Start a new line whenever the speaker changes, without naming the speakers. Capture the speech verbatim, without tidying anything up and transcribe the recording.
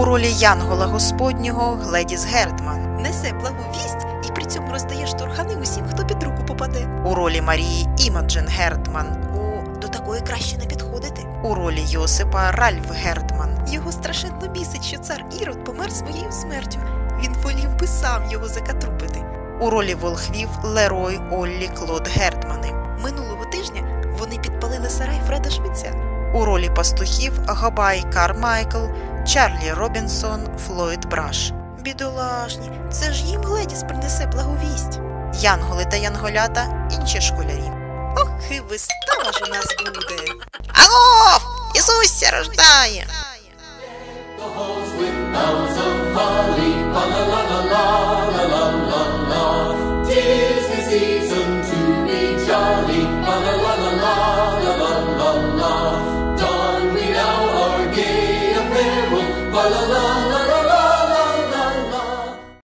ролі Янгола Господнього Гледіс Гердман.
Несе благу вість і при цьому роздає штурхани усім, хто під руку попаде.
У ролі Марії Імоджен Гердман.
О, до такої краще не підходити.
У ролі Йосипа Ральф Гердман.
Його страшенно бісить, що цар Ірод помер своєю смертю. Він волів би сам його закатрупити.
У ролі волхвів Лерой Оллі Клод Гердмани.
Минулого тижня вони підпалили сарай Фреда Швеця.
У ролі пастухів Габай Кармайкл, Чарлі Робінсон, Флойд Браш.
Бідолашні, це ж їм Гледіс принесе благовість.
Янголи та янголята – інші школярі.
Ох, і вистава ж у нас буде.
Агов! Ісуся рождає!
Tis the season to be jolly, la la la la la la la la la. Don we now our gay apparel, la la la.